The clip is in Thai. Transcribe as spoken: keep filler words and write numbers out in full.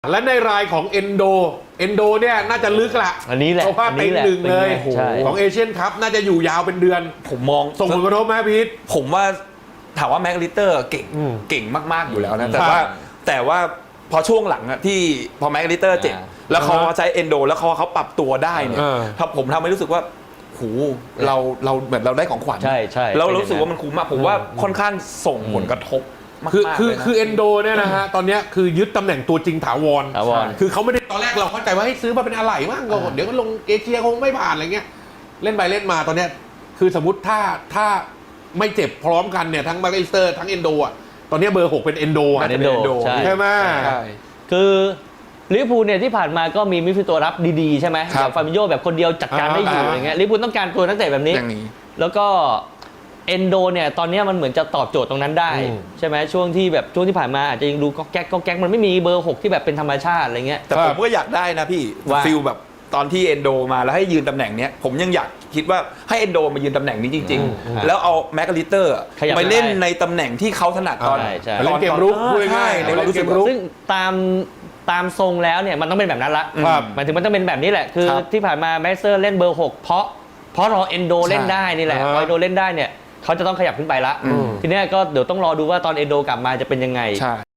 และในรายของเอนโดเอนโดเนี่ยน่าจะลึกละอันนี้แหละเพราะว่าเป็นหนึ่งเลยใช่ของเอเชียนคัพน่าจะอยู่ยาวเป็นเดือนผมมองส่งผลกระทบไหมพีทผมว่าถามว่าแม็กลิเตอร์เก่งอืมเก่งมากๆอยู่แล้วนะอืมแต่ว่าใช่แต่ว่าพอช่วงหลังอะที่พอแม็กลิเตอร์เจ็บอ่าแล้วเขาอ่าฮะใช้เอนโดแล้วเขาเขาปรับตัวได้เนี่ยเออถ้าผมทำให้รู้สึกว่าหูเราเราเหมือนเราได้ของขวัญใช่ใช่แล้วเป็นอย่างนั้นรู้สึกว่ามันคุ้มมากผมว่าค่อนข้างส่งผลกระทบมากคือๆคือเลยนะคือเอนโดเนี่ยนะฮะตอนเนี้ยคือยึดตำแหน่งตัวจริงถาวรถาวรคือเขาไม่ได้ตอนแรกเราเข้าใจว่าให้ซื้อมาเป็นอะไหล่มั่งก็เดี๋ยวก็ลงเอเชียคงไม่ผ่านอะไรเงี้ยเล่นไปเล่นมาตอนเนี้ยคือสมมติถ้าถ้าไม่เจ็บพร้อมกันเนี่ยทั้งมาร์เกสเตอร์ทั้งเอนโดอ่ะตอนเนี้ยเบอร์หกเป็นเอนโดอ่ะเอนโดใช่ใช่ไหมใช่คือลิเวอร์พูลเนี่ยที่ผ่านมาก็มีมิดฟิลด์ตัวรับดีๆใช่ไหมครับอย่างฟาบิโญแบบคนเดียวจัดการได้อยู่อ่าอย่างเงี้ยลิเวอร์พูลต้องการตัวนักเตะแบบนี้อย่างนี้แล้วก็เอนโดเนี่ยตอนเนี้ยมันเหมือนจะตอบโจทย์ตรงนั้นได้อืมใช่ไหมช่วงที่แบบช่วงที่ผ่านมาอาจจะยังดูก็แก๊กก็แก๊กมันไม่มีเบอร์หกที่แบบเป็นธรรมชาติอะไรเงี้ยแต่ผมก็อยากได้นะพี่ว่าฟิลแบบตอนที่เอนโดมาแล้วให้ยืนตำแหน่งเนี้ยผมยังอยากคิดว่าให้เอนโดมายืนตำแหน่งนี้จริงอืมๆ แล้วเอาแม็กลิเตอร์ขยับไปเล่นได้ในตำแหน่งที่เขาถนัดตอนใช่ใช่เล่นเกมรุกพูดใช่ง่ายๆในความรู้สึกเล่นเกมรุกซึ่งตามตามทรงแล้วเนี่ยมันต้องเป็นแบบนั้นละครับหมายถึงมันต้องเป็นแบบนี้แหละคือครับที่ผ่านมาแมสเตอร์เล่นเบอร์หกเพราะเพราะรอเอนโดเล่นได้นี่แหละอ่าฮะพอเอนโดเล่นได้เนี่ยเขาจะต้องขยับขึ้นไปละอืมทีเนี้ยก็เดี๋ยวต้องรอดูว่าตอนเอนโดกลับมาจะเป็นยังไงใช่